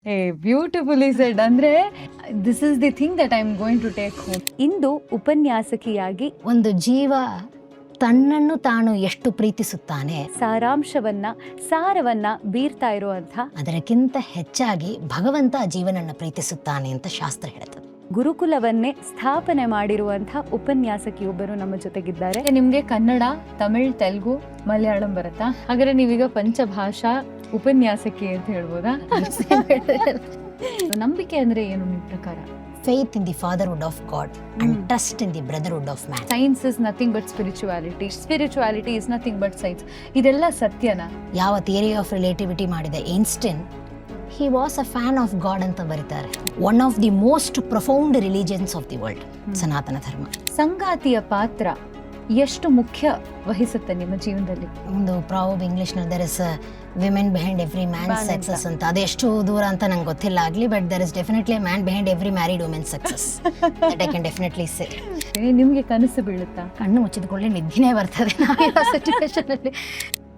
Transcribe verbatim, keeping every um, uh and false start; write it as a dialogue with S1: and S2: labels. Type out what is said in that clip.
S1: ಏ beautifully said. ಅಂದ್ರೆ this is the thing that I am going to take home.
S2: ಇಂದು ಉಪನ್ಯಾಸಕಿಯಾಗಿ
S3: ಒಂದು ಜೀವ ತನ್ನನ್ನು ತಾನು ಎಷ್ಟು ಪ್ರೀತಿಸುತ್ತಾನೆ,
S2: ಸಾರಾಂಶವನ್ನ ಸಾರವನ್ನ ಬೀರ್ತಾ ಇರುವಂಥ
S3: ಅದಕ್ಕಿಂತ ಹೆಚ್ಚಾಗಿ ಭಗವಂತ ಆ ಜೀವನನ್ನ ಪ್ರೀತಿಸುತ್ತಾನೆ ಅಂತ ಶಾಸ್ತ್ರ ಹೇಳುತ್ತದೆ.
S2: ಗುರುಕುಲವನ್ನೇ ಸ್ಥಾಪನೆ ಮಾಡಿರುವಂಥ ಉಪನ್ಯಾಸಕಿಯೊಬ್ಬರು ನಮ್ಮ ಜೊತೆಗಿದ್ದಾರೆ.
S1: ನಿಮ್ಗೆ ಕನ್ನಡ, ತಮಿಳ್, ತೆಲುಗು, ಮಲಯಾಳಂ ಬರುತ್ತಾ? ಹಾಗಾದ್ರೆ ನೀವೀಗ ಪಂಚಭಾಷಾ ಉಪನ್ಯಾಸಕಿ ಅಂತ ಹೇಳ್ಬೋದಾ? ನಂಬಿಕೆ ಅಂದ್ರೆ ಏನು ನಿಮ್ ಪ್ರಕಾರ?
S3: Faith in the fatherhood of God and trust in the brotherhood of man.
S1: Science is nothing but spirituality, spirituality is nothing but science. ಇದೆಲ್ಲ ಸತ್ಯನಾ?
S3: ಯಾವ ಥಿಯರಿ ಆಫ್ ರಿಲೇಟಿವಿಟಿ ಮಾಡಿದ Einstein, he was a fan of God ಅಂತ ಬರೀತಾರೆ. One of the most profound religions of the world, Sanatana Dharma.
S1: ಸಂಗಾತಿಯ ಪಾತ್ರ ಎಷ್ಟು ಮುಖ್ಯ ವಹಿಸುತ್ತೆ ನಿಮ್ಮ ಜೀವನದಲ್ಲಿ?
S3: ಒಂದು ಪ್ರಾವಬ್ ಇಂಗ್ಲಿಷ್ ನಲ್ಲಿ there is women behind every man success ಅಂತ. ಅದೆಷ್ಟು ದೂರ ಅಂತ ನಂಗೆ ಗೊತ್ತಿಲ್ಲ ಆಗ್ಲಿ, but there is definitely man behind every married women success. That I can definitely say.
S1: ನಿಮ್ಗೆ ಕನಸು ಬೀಳುತ್ತಾ?
S3: ಕಣ್ಣು ಮುಚ್ಚಿದ ಕೂಡಲೇ ನಿದ್ದಿನೇ ಬರ್ತದೆ ನಾವಿರೋ ಸಿಚುವೇಶನ್ ಅಲ್ಲಿ.